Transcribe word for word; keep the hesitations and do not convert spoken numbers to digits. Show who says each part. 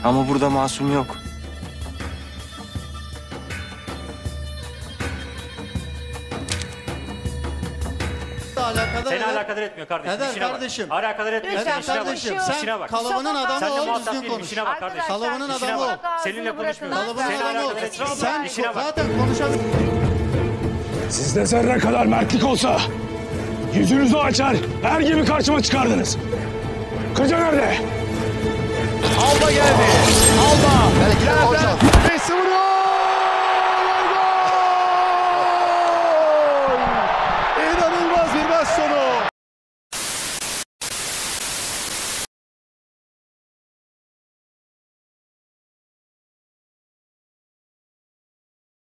Speaker 1: Ama burada masum yok.
Speaker 2: Alakadar
Speaker 3: Seni
Speaker 2: eder.
Speaker 3: alakadar etmiyor kardeşim.
Speaker 2: Eder
Speaker 3: İşine bak.
Speaker 2: kardeşim.
Speaker 3: Alakadar etmiyor.
Speaker 2: Eder
Speaker 3: Senin işine bak.
Speaker 2: kardeşim.
Speaker 3: İşine
Speaker 2: Sen
Speaker 3: bak.
Speaker 2: kalıbının adamı
Speaker 3: Seninle
Speaker 2: ol,
Speaker 3: muhatap
Speaker 2: düzgün
Speaker 3: değilim.
Speaker 2: konuş.
Speaker 3: İşine bak kardeşim.
Speaker 2: Kalıbının
Speaker 3: İşine
Speaker 2: adamı ol.
Speaker 3: bak. Seninle konuşmuyorum.
Speaker 2: Kalıbının
Speaker 3: Seni
Speaker 2: adamı ol.
Speaker 3: alakadar etmiyor.
Speaker 2: Sen
Speaker 3: İşine bak.
Speaker 2: zaten konuşabilirsin.
Speaker 4: Sizde zerre kadar mertlik olsa yüzünüzü açar, her gibi karşıma çıkardınız. Kıca nerede?
Speaker 5: Alba geldi. Alba. Belki